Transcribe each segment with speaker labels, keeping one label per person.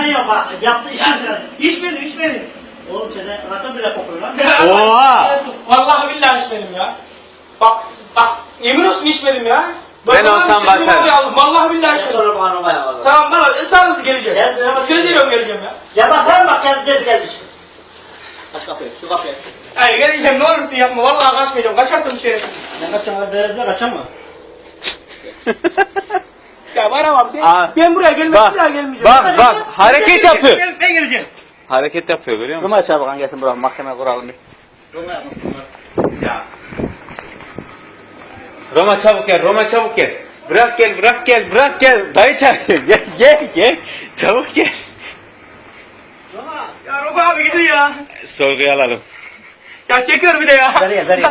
Speaker 1: yok bak. Yaptı işin.
Speaker 2: İçmedim.
Speaker 1: Oğlum seni rakam bile kokuyor lan.
Speaker 3: Oha!
Speaker 2: Vallahi billahi içmedim ya. Bak yemin olsun içmedim ya.
Speaker 3: Ben olsam basarım.
Speaker 2: Vallahi billahi içmedim.
Speaker 1: Sonra bu hanıma ya.
Speaker 2: Tamam bana ısrarlı geleceğim. Söz veriyorum geleceğim ya.
Speaker 1: Ya basarım bak gelmiş. Aç kapıyı, şu kapıyı.
Speaker 2: Ay geleceğim ne olursun yapma. Vallahi kaçmayacağım. Kaçarsın bir şeye.
Speaker 1: Ben kaçacağım, böyle kaçamam.
Speaker 2: Ya var ama sen. Ben buraya bir daha gelmeyeceğim.
Speaker 3: Bak hareket yapıyor.
Speaker 2: Ben geleceğim.
Speaker 3: Hareket yapıyor görüyor musun?
Speaker 1: Roma çabuk gelsin buraya mahkeme kuralım bir. Roma yapmasın bunlar.
Speaker 2: Ya.
Speaker 3: Roma çabuk gel, Roma çabuk gel. Bırak gel. Dayı çağırıyor. Gel. Çabuk gel.
Speaker 1: Roma.
Speaker 2: Ya Rob abi gidin ya.
Speaker 3: Sorguya alalım.
Speaker 2: Ya çekiyor bir de ya.
Speaker 1: Nereye? Nereye?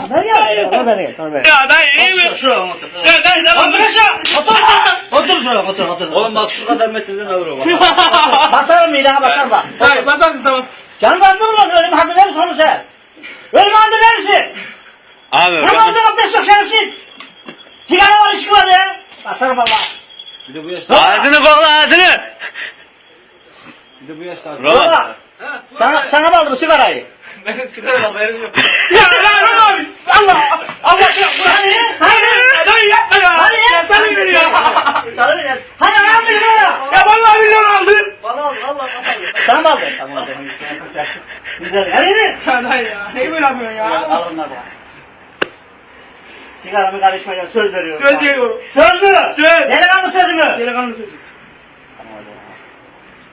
Speaker 2: Ya dayı iyi mi?
Speaker 1: Şuraya otur.
Speaker 2: Ya dayı tamam.
Speaker 1: Otur şuraya. Otur şuraya otur. Oğlum bak şu kadar metreden öbür o bak. Basarım ilaha basar bak.
Speaker 2: Dayı basarsın tamam.
Speaker 1: Canım anladın mı lan? Ölümü hazırlar mısın oğlum sen? Ölümü hazırlar mısın?
Speaker 3: Abi
Speaker 1: Ramazan abdest yok şerefsiz. Sigara var içki var ya. Basarım valla. Bir de bu yaşta.
Speaker 3: ağzını kokla ağzını.
Speaker 1: Bir de bu yaşta.
Speaker 3: Roma.
Speaker 1: Sana mı aldı bu sigarayı?
Speaker 2: Benim sigara haberim yok. Ya Rob abi. Allah ya.
Speaker 1: Hani?
Speaker 2: Dayı yapma ya.
Speaker 1: Hani ya?
Speaker 2: Ya sana geliyor ya.
Speaker 1: Sana mı geldi? Hani ayağım bir ya?
Speaker 2: Ya vallahi milyon aldın.
Speaker 1: Valla Allah. Sen mi aldın? Tamam hadi. Güzel. Hadi yürü.
Speaker 2: Ya dayı ya. Neyi böyle yapıyorsun ya?
Speaker 1: Al onları bak. Sigaramı karışmayacağım söz veriyorum.
Speaker 2: Söz veriyorum.
Speaker 1: Söz mü?
Speaker 2: Söz.
Speaker 1: Delikanlı sözü mü?
Speaker 2: Delikanlı sözü.
Speaker 1: Tamam hadi.